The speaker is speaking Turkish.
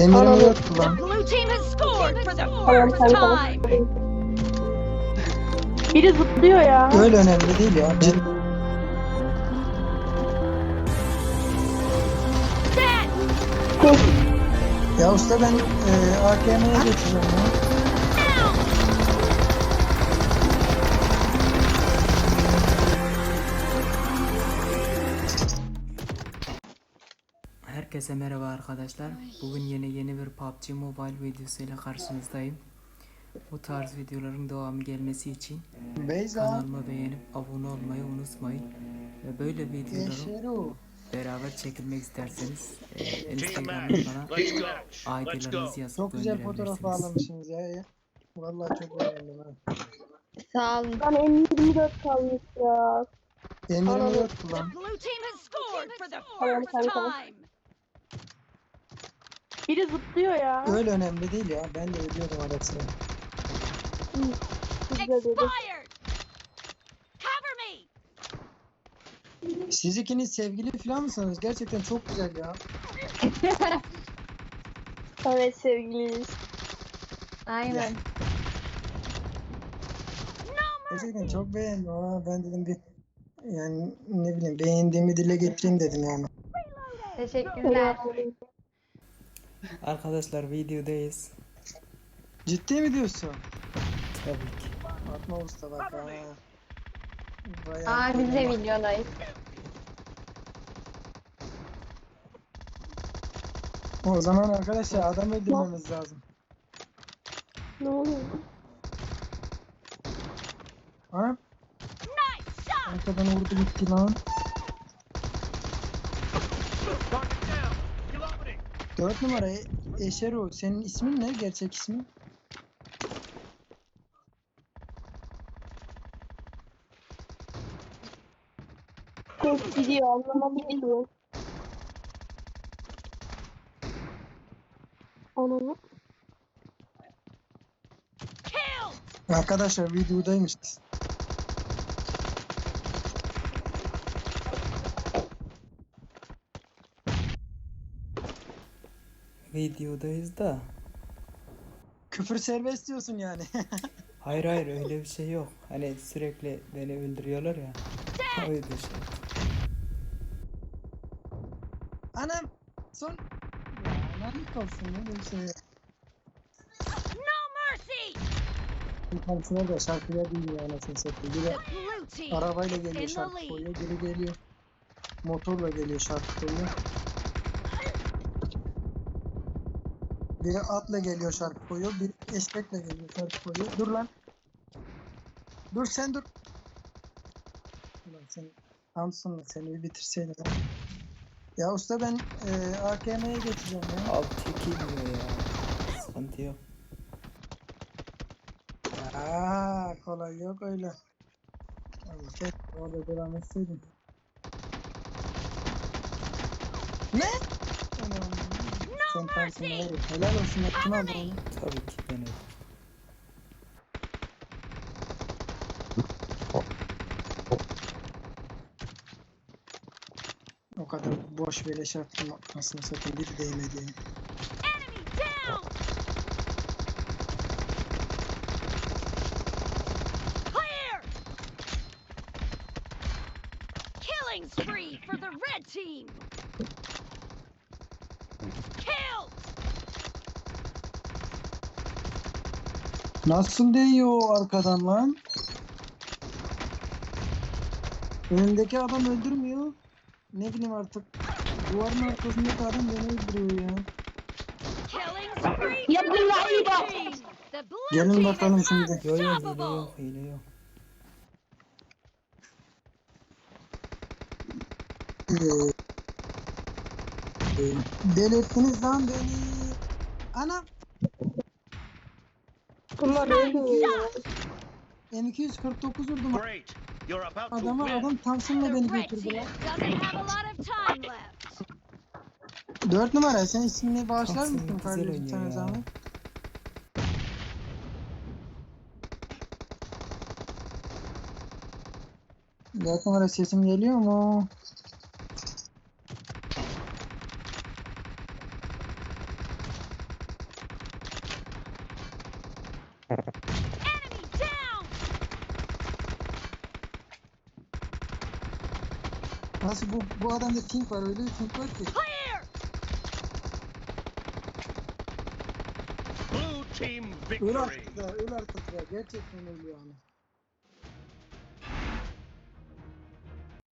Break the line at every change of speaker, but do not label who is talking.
Eminim yoktu
The
lan.
blue team has scored for the
Tamam
first
tamam.
time.
Biri zıplıyor ya.
Öyle önemli değil ya.
Set.
Ya usta ben AKM'ye geçeceğim ya.
Herkese merhaba arkadaşlar. Bugün yeni bir PUBG Mobile videosuyla karşınızdayım. Bu tarz videoların devamı gelmesi için
Beyza.
kanalıma beğenip abone olmayı unutmayın. Ve böyle videoları
Eşeru.
beraber çekilmek isterseniz Instagram'dan bana ID'lerinizi yazıp
Çok güzel fotoğraf
gönderebilirsiniz.
bağlamışsınız ya. Vallahi çok beğendim ha.
Sağ olun. Lan M24 kalmış ya.
Eminim yoktu lan.
The blue team has scored for the
Tamam,
first
tamam.
time.
Biri zıplıyor ya.
Öyle önemli değil ya. Ben de ölüyordum ara sıra.
Güzel dedi.
Expired. Cover me.
Siz ikiniz sevgili falan mısınız? Gerçekten çok güzel ya.
Evet sevgiliyiz. Aynen.
Gerçekten çok beğendim ha. Ben dedim bir yani ne bileyim beğendiğimi dile getireyim dedim yani.
Teşekkürler.
Arkadaşlar videodayız.
Ciddi mi diyorsun?
Tabii ki.
Atma usta bak ha.
Aa biz de videodayız.
O zaman arkadaşlar adam öldürmemiz lazım.
Ne oluyor?
Ha?
Nice shot.
Arkadan vurdu gitti lan. 4 numara Eşero. Senin ismin ne? Gerçek ismin?
Çok gidiyor anlamadım ki. Ananı.
Kill.
Arkadaşlar videodaymışız.
Videodayız da.
Küfür serbest diyorsun yani.
Hayır öyle bir şey yok. Hani sürekli beni öldürüyorlar ya. O yüzden şey.
Anam son... Ya lanet olsun ne bir şey.
No mercy.
Bir tanesine de şarkıya değil ya anasını satayım. Biri
The blue team
arabayla
is
geliyor
in the
şarkı
lead.
koyuyor. Biri geliyor motorla geliyor şarkı koyuyor. Biri atla geliyor şarkı koyuyor. Biri eşekle geliyor şarkı koyuyor. Dur lan. Dur sen dur. Ulan sen Samsun'la seni bir bitirseydin. Ha. Ya usta ben AKM'ye geçeceğim ya.
Alt çekilmiyor ya. Sıkıntı yok.
Aa, kolay yok öyle. Tamam, orada devam etseydin. Ne? Anam. Sen Samsun'a var ya. Helal olsun yaptın abi onu.
Tabii ki denedim.
O kadar boş beleş attım aslında satayım bir değmedi.
Enemy down. Clear. Killing spree for the red team. Kill.
Nasıl değiyor o arkadan lan? Önündeki adam öldürmüyor. Ne bileyim artık. Duvarın arkasındaki adam beni öldürüyor ya.
Killing spree
Ya
for the
bunlar iyi
blue
bak.
team. The blue
Gelin
team
bakalım
is
şimdi.
Yo hile
unstoppable.
yok hile yok.
Delirttiniz lan beni. Anam.
Bunlar ölmüyor ya.
M249 vurdum.
Great. You're about to
Adama
win.
adam Thompson'la
The
beni
red
götürdü
team
lan.
doesn't have a lot of time left.
4 numara sen ismini bağışlar
Thompson
mısın
güzel
kardeşim
oynuyor
sana
ya.
zahmet? Dört numara sesim geliyor mu?
Enemy down!
Nasıl bu adamda ping var, öyle bir ping var ki.
Clear!
Blue team
Öl
victory.
artık da, öl artık ya. Gerçekten öl yani.